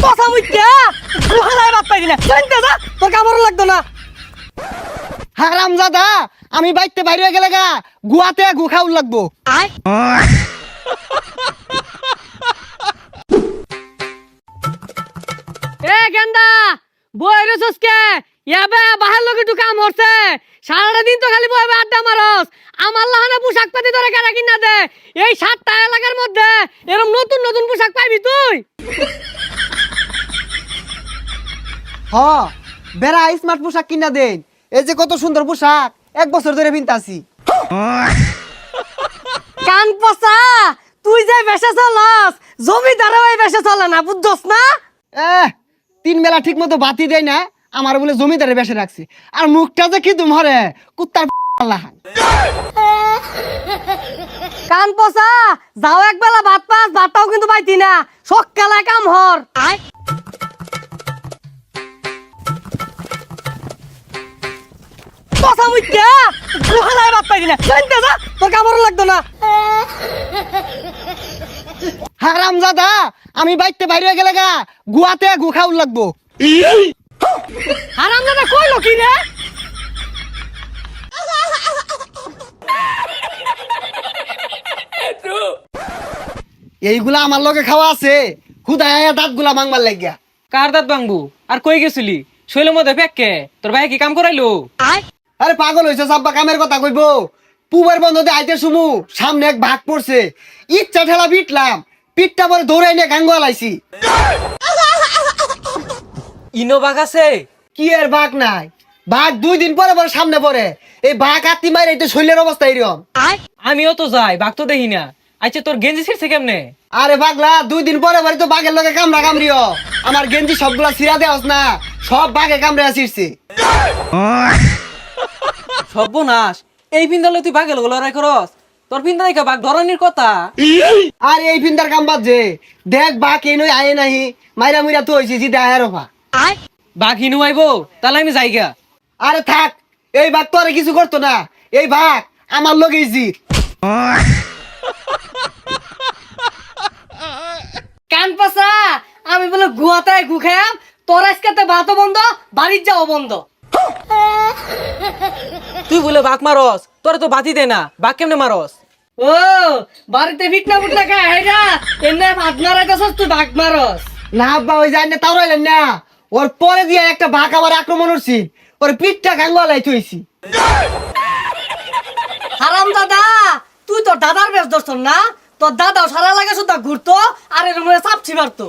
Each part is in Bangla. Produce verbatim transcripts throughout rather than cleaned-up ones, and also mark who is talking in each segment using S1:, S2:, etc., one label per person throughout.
S1: কথা মুইতা গুহালায় বাপ পাইলি না শুনতে যা তোর কামড় লাগতো না।
S2: হারামজাদা আমি বাইতে বাইরে গেলে গা গুয়াতে গু খাউল লাগবো।
S1: আয় এ গেন্দা বইরে সসকে ইয়াবে বাহার লোকে একটু কাম হচ্ছে সারাটা দিন তো খালি বইবে আড্ডা মারস আমার লাহানে পোশাক পাতি ধরে কেনা কিনা দে এই সাতটা এলাকার মধ্যে এরকম নতুন নতুন পোশাক পাইবি তুই।
S2: হ বেড়া স্মার্ট পোশাক কিনা দেন এই যে কত সুন্দর পোশাক এক বছর ধরে পিনতাছি।
S1: কান পচা তুই যে বেশে চলস জমিদারও এই বেশে চলে না বুঝছস না।
S2: এহ তিন বেলা ঠিক মতো বাতি দেয় না আমার বলে জমিদারে বেসে রাখছে আর মুখটা যে কি তোমারে কুত্তার লাহান।
S1: কান পচা যাও এক বেলা ভাত পাস ভাতটাও কিন্তু পাইতি না সকালে কাম হর। আয় কথা মুইতা গুহালায় বাপ পাইলি না শুনতে যা তোর কামড় লাগতো না।
S2: হারামজাদা আমি বাইতে বাইরে গেলে গা গুয়াতে গু খাউল লাগবো।
S1: হারাম দাদা কইলো কি রে?
S2: এইগুলা আমার লগে খাওয়া আছে খুদায় দাঁত গুলা মাংবার লাগিয়া।
S3: কার দাঁত ভাঙবো আর কই গেছিলি শৈলের মধ্যে ফেককে তোর ভাই কি কাম করাইলো?
S1: আয়
S2: আরে পাগল হইছে সাব্বা কামের কথা কইবো পুবের বন্ধতে আইতে শুমু সামনে এক ভাগ পড়ছে ইচ্ছা ঠেলা পিটলাম পিটটা পরে দৌড়াই নিয়ে গাঙ্গ আলাইছি।
S3: ইনো বাঘ আছে?
S2: কি এর ভাগ নাই ভাগ দুই দিন পরে পরে সামনে পড়ে এই ভাগ আত্মি মাইরে এটা শৈলের অবস্থা এরকম।
S1: আয়
S3: আমিও তো যাই বাঘ তো দেখি না। আচ্ছা তোর গেঞ্জি ছিড়ছে কেমনে?
S2: আরে পাগলা দুই দিন পরে পরে তো বাঘের লগে কামড়া কামড়িও আমার গেঞ্জি সবগুলা ছিড়া দেওয়াস না সব বাঘে কামড়ে আসিরছে।
S3: সর্বনাশ এই পিন্দালে তুই বাঘের লগে লড়াই করস? তোর পিন্দা দেখা বাঘ ধরনের কথা।
S2: আর এই ফিন্দার কাম বাদ যে দেখ বাঘ এই নই আয়ে নাহি মাইরা মুইরা তো হইছি জিদা আয়ের রফা।
S1: আয়
S3: বাঘ হিনু আইবো তাহলে আমি যাইগা।
S2: আরে থাক এই বাঘ তো আর কিছু করতো না এই বাঘ আমার লগেই জিত।
S1: কান পচা আমি বলে গুয়াতে গু খাম তোর আজকে ভাতও বন্ধ বাড়ির যাও বন্ধ।
S3: তুই বলে বাঘ মারস তোর তো বাতি দে না বাঘ কেমনে মারস?
S1: ও বাড়িতে ফিটনা ফুটনা খায় হেরা এমনি ভাত মারাইতেছস তুই ভাগ মারস।
S2: না আব্বা ওই যায় না তাও রইলেন না ওর পরে দিয়ে একটা বাঘ আমার আক্রমণ করছি ওর পিঠটা গাঙ্গলাই থইছি।
S1: হারাম দাদা তুই তোর দাদার বেশ ধরছ না তোর দাদাও সারা লাগে শুধু ঘুরতো আর এর মধ্যে চাপছি মারতো।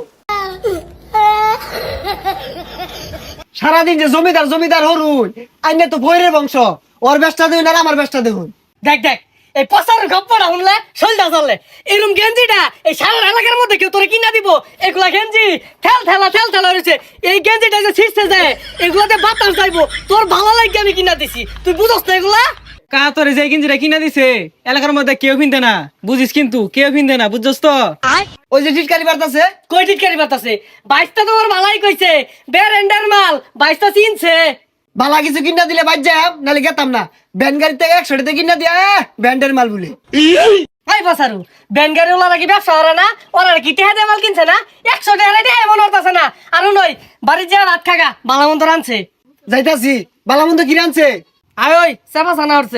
S2: সারাদিন যে জমিদার জমিদার হরুন আইনে তো ভৈরের বংশ ওর ব্যবসা দেখুন আর আমার ব্যবসা দেখুন।
S1: দেখ দেখ এই পচার গপ্পটা শুনলে শৈলটা চললে এরকম গেঞ্জিটা এই সারা এলাকার মধ্যে কেউ তোরে কিনা দিব এগুলা গেঞ্জি ঠেল ঠেলা ঠেল ঠেলা রয়েছে এই গেঞ্জিটা যে ছিঁড়ছে যায় এগুলাতে বাতাস যাইবো তোর ভালো লাগে আমি কিনা দিছি তুই বুঝস না এগুলা।
S3: কা তোর যে গেঞ্জিটা কিনা দিছে এলাকার মধ্যে কেউ পিনতে না বুঝিস কিন্তু কেউ পিনতে না বুঝছস তো।
S1: আয়
S2: ওই যে টিটকারি বার্তাছে
S1: কই টিটকারি বাতাসে বাইশটা তোমার ভালাই কইছে বেরেন্ডার মাল বাইশটা চিনছে।
S2: বালা কিছু কিনা দিলে বাদ যাম নাহলে গেতাম না ব্যান গাড়ি থেকে একশো টাকা কিনা দিয়া ব্যান্ডের মাল বলে।
S1: এই বাসারু ব্যানগাড়ি ওলা কি ব্যবসা ওরা না ওরা কি টেহা দিয়ে মাল কিনছে না একশো টাকা দিয়ে এমন হতাছে না আরো নয় বাড়ির যা ভাত খাগা বালা মন্দ রানছে
S2: যাইতাছি বালামন্দ কি রানছে
S1: আয় ওই চাপা চানা হচ্ছে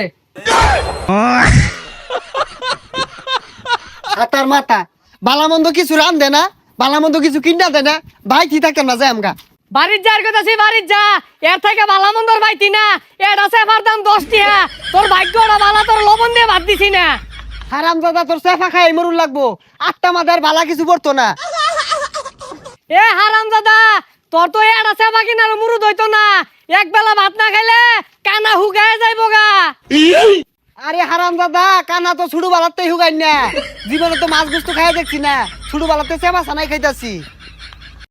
S2: হাতার মাথা বালামন্দ কিছু রান দে না বালামন্দ কিছু কিনা দে না ভাই কি থাকতাম না যাই আমগা।
S1: বাড়ির যার কথা সে বাড়ির যা এর থেকে বালা মন্দর পাইতি না এর আছে আমার দাম দশ টিয়া তোর ভাগ্যটা বালা তোর লবণ দিয়ে ভাত দিছি না।
S2: হারাম দাদা তোর সেফা খাই মরুন লাগবো আটটা মাদার বালা কিছু পড়তো না।
S1: এ হারাম দাদা তোর তো এর আছে বাকি না মুরুদ হইতো না এক বেলা ভাত না খাইলে কানা হুগায় যাইবো গা।
S2: আরে হারাম দাদা কানা তো ছুড়ু বালাতে হুগাই না জীবনে তো মাছ গুস্তু খাই দেখছি না ছুড়ু বালাতে সেবা সানাই খাইতাছি।